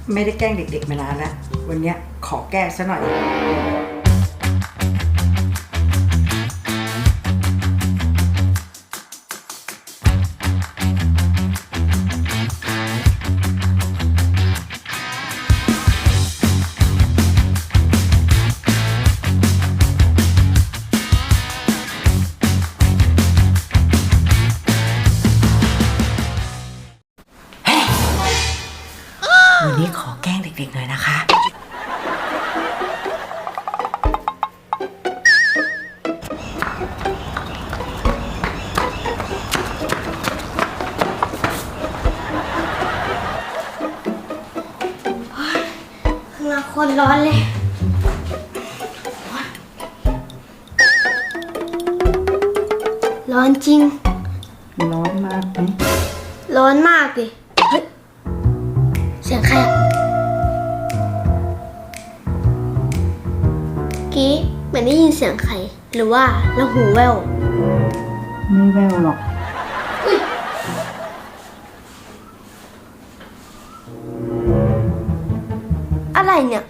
ไม่ได้แกล้งเด็กๆมานานแล้ววันนี้ขอแก้ซะหน่อยวันนี้ขอแกล้งเด็กๆหน่อยนะคะข้างนอกโคตรร้อนเลยร้อนจริงร้อนมากไหมร้อนมากดิเฮ้ยเสียงใครอะกี้เหมือนได้ยินเสียงใครหรือว่าเราหูแว่วไม่แววหรอกอะไรเนี่ย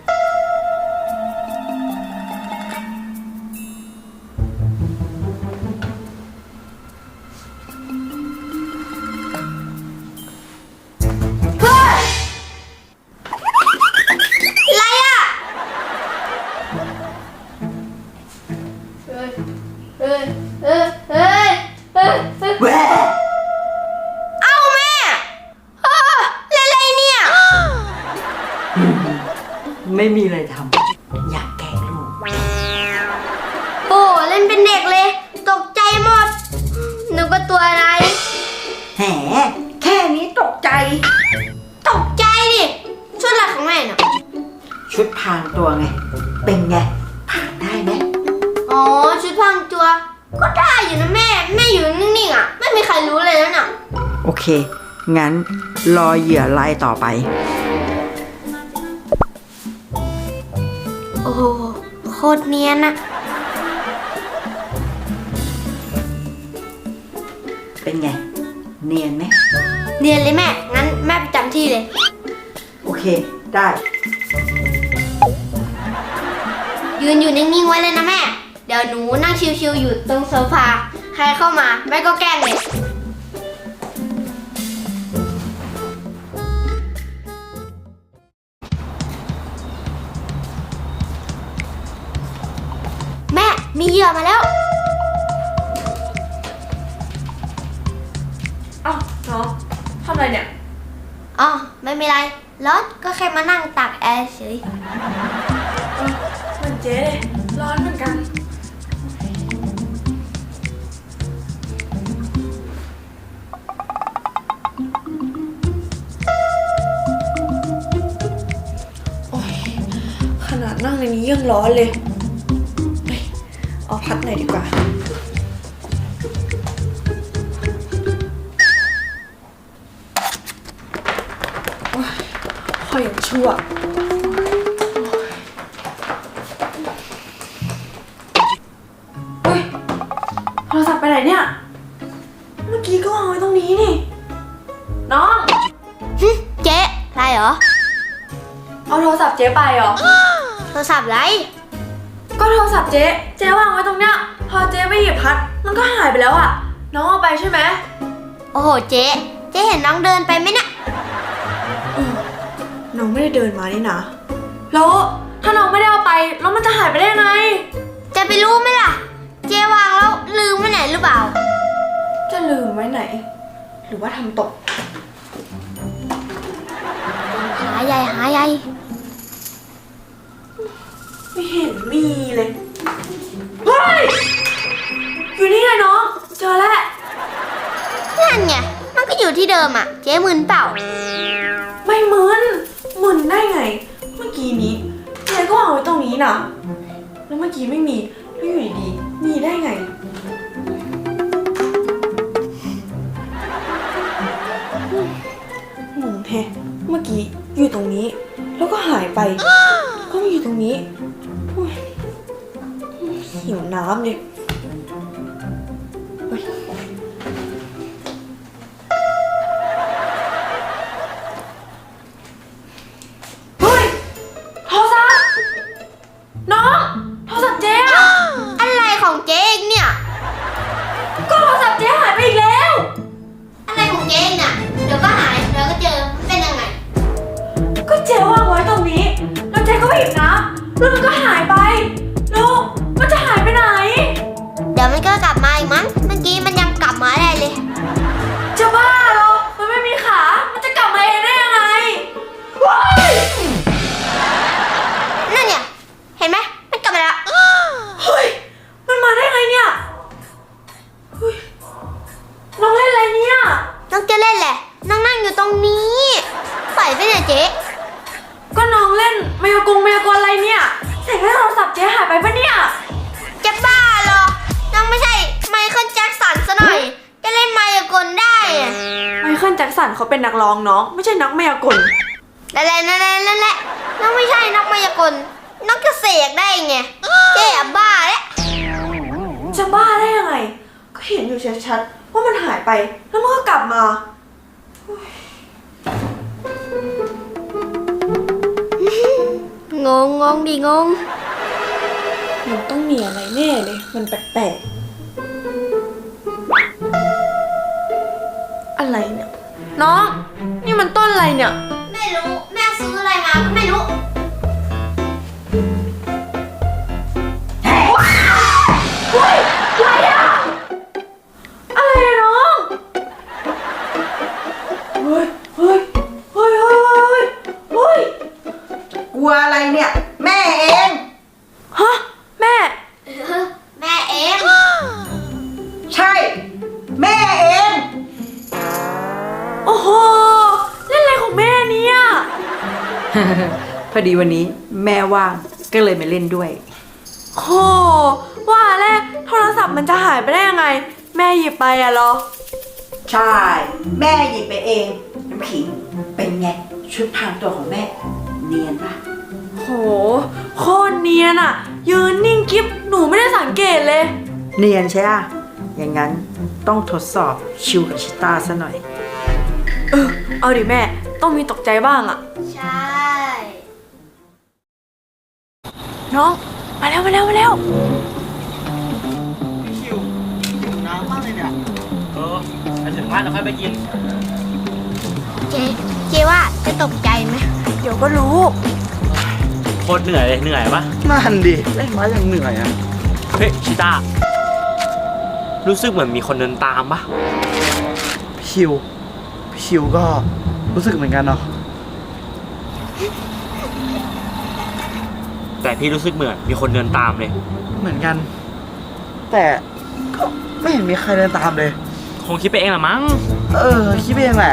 เอาแม่เล่นอะไรเนี่ยไม่มีอะไรทำอยากแกล้งลูกโอ้เล่นเป็นเด็กเลยตกใจหมดนึกว่าตัวอะไรแหมแค่นี้ตกใจดิชุดอะไรของแม่น่ะชุดพรางตัวไงเป็นไงผ่านได้ไหมอ๋อชุดพรางตัวก็ได้อยู่นะแม่อยู่นิ่งๆอ่ะไม่มีใครรู้เลยนะน่ะโอเคงั้นรอเหยื่อรายต่อไปโอ้โหโคตรเนียนอะเป็นไงเนียนไหมเนียนเลยแม่งั้นแม่ประจำที่เลยโอเคได้ยืนอยู่นิ่งๆไว้เลยนะแม่เดี๋ยวหนูนั่งชิวๆอยู่ตรงโซฟาใครเข้ามาแม่ก็แกล้งเลยแม่มีเหยื่อมาแล้วอ้าวน้องทำอะไรเนี่ยอ๋อไม่มีไรร้อนก็แค่มานั่งตากแอร์เฉยเหมือนเจ๊เลยร้อนเหมือนกันโอ้ยขนาดนั่งในนี้ยังร้อนเลยเอาพัดหน่อยดีกว่าคอยอย่างชั่วเฮ้ยโทรศัพท์ไปไหนเนี่ยเมื่อกี้ก็วางไว้ตรงนี้นี่น้องเจ๊ไรเหรอเอาโทรศัพท์เจ๊ไปเหรอโทรศัพท์ไรก็โทรศัพท์เจ๊วางไว้ตรงเนี้ยพอเจ๊ไปหยิบพัดมันก็หายไปแล้วอ่ะน้องเอาไปใช่ไหมโอ้โหเจ๊เห็นน้องเดินไปไหมเนี่ยน้องไม่ได้เดินมานี่นะแล้วถ้าน้องไม่ได้เอาไปแล้วมันจะหายไปได้ไงจะไปรู้ไหมล่ะเจ๊วางแล้วลืมไว้ไหนหรือเปล่าจะลืมไว้ไหนหรือว่าทำตกหาใหญ่ไม่เห็นมีเลยเฮ้ยอยู่นี่ไงน้องเจอแล้วนั่นไงมันก็อยู่ที่เดิมอ่ะเจ๊มึนเปล่าไม่มึนได้ไงเมื่อกี้นี้เจ๊ก็วางไว้ตรงนี้นะแล้วเมื่อกี้ไม่มีแล้วอยู่ดีๆมีได้ไงงงแท้เมื่อกี้อยู่ตรงนี้แล้วก็หายไปก็มาอยู่ตรงนี้หิวน้ำเลยดี๋ยวมันก็กลับมาอีกมั้ง เมื่อกี้มันยังกลับมาได้เลยจะบ้าเหรอ มันไม่มีขา มันจะกลับมาเองได้ยังไงว้ายนั่นเนี่ย เห็นไหมมันกลับมาแล้วเฮ้ย มันมาได้ไงเนี่ยเฮ้ยน้องเล่นอะไรเนี่ยน้องจะเล่นแหละ น้องนั่งอยู่ตรงนี้ปล่อยไปเนี่ยเจ๊ก็น้องเล่นมายากลอะไรเนี่ยเสียงโทรศัพท์เจ๊หายไปปะเนี่ยจะบ้าเหรอ น้องไม่ใช่ไมเคิลแจ็คสันซะหน่อย จะเล่นมายากลได้อะไมเคิลแจ็คสันเขาเป็นนักร้องน้องไม่ใช่นักมายากลนั่นแหละน้องไม่ใช่นักมายากลน้องจะเสกได้ไงเจ๊อะบ้าแล้วจะบ้าได้ยังไง ก็เห็นอยู่ชัดๆว่ามันหายไปแล้วมันก็กลับมางงดิงงมันต้องมีอะไรแน่เลย มันแปลกๆอะไรเนี่ย น้อง นี่มันต้นอะไรเนี่ยไม่รู้แม่ซื้ออะไรมาก็ไม่รู้เฮ้ยอะไรอะอะไรอะน้อง เฮ้ย เฮ้ย เฮ้ย เฮ้ย เฮ้ย เฮ้ยกลัวอะไรเนี่ย แม่เองฮะ แม่แม่เองใช่ แม่เองโอ้โห เล่นอะไรของแม่เนี่ยพอดีวันนี้แม่ว่างก็เลยมาเล่นด้วยโห ว่าแล้วโทรศัพท์มันจะหายไปได้ยังไง แม่หยิบไปอะเหรอใช่ แม่หยิบไปเอง น้ำขิงเป็นไงชุดพรางตัวของแม่ เนียนปะโห โคตรเนียนอะยืนนิ่งกิ๊บหนูไม่ได้สังเกตเลยเนียนใช่อะอย่างนั้นต้องทดสอบชิวกับชิต้าซะหน่อยเอาดิแม่ ต้องมีตกใจบ้างอะใช่น้อง มาแล้วคิวหิวน้ำมากเลยเนี่ยไปถึงบ้านแล้วค่อยไปกินเจ๊ว่าจะตกใจไหมเดี๋ยวก็รู้โคตรเหนื่อยเลย เหนื่อยปะนั่นดิเล่นมาอย่างเหนื่อยอ่ะเฮ้ย ชิต้า รู้สึกเหมือนมีคนเดินตามปะพี่ชิวก็รู้สึกเหมือนกันเนาะแต่พี่รู้สึกเหมือนมีคนเดินตามเลยเหมือนกัน แต่ก็ไม่เห็นมีใครเดินตามเลยคงคิดไปเองละมั้งคิดไปเองแหละ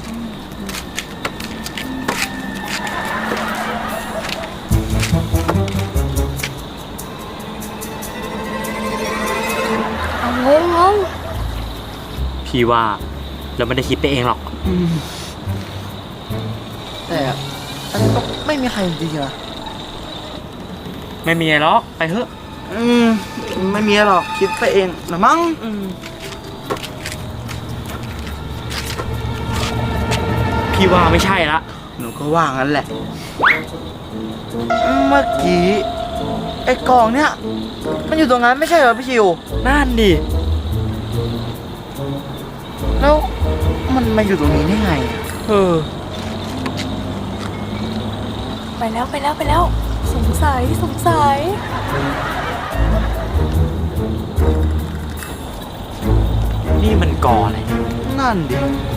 เอางงพี่ว่าเราไม่ได้คิดไปเองหรอกแต่อันนี้ก็ไม่มีใครจริงๆนะไม่มีอะไรหรอก ไปเถอะไม่มีหรอกคิดไปเองนะมั้งพี่ว่าไม่ใช่ละหนูก็ว่างั้นแหละ เมื่อกี้ไอ้กล่องเนี่ย มันอยู่ตรงนั้นไม่ใช่เหรอพี่ชิวนั่นดิแล้วมันมาอยู่ตรงนี้ได้ไงอะไปแล้ว สงสัยนี่มันก่ออะไรนั่นดิ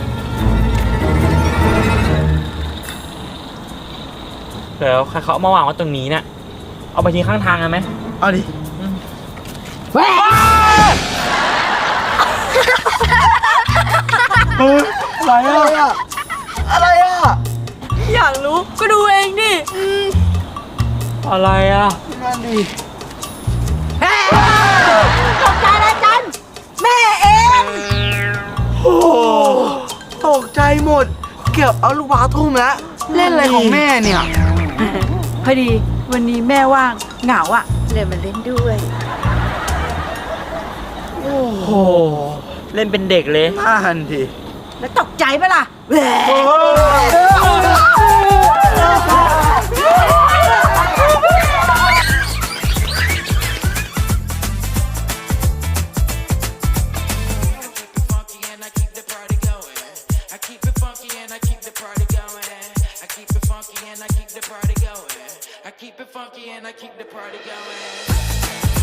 แล้วใครเขาเอามาวางไว้ตรงนี้เนี่ย เอาไปทิ้งข้างทางกันไหมเอาดิ อะไรอ่ะ อะไรอ่ะอยากรู้ก็ดูเองดิอะไรอ่ะนั่นดิตกใจแล้วจันแม่เองโอ้ตกใจหมด เกือบเอาลูกบาสทุ่มแล้ว เล่นอะไรของแม่เนี่ยพอดีวันนี้แม่ว่างเหงาอะเลยมาเล่นด้วยโอ้โหเล่นเป็นเด็กเลยนั่นดิแล้วตกใจปะล่ะแหว I keep it funky and I keep the party going. I keep it funky and I keep the party going. I keep it funky and I keep the party going.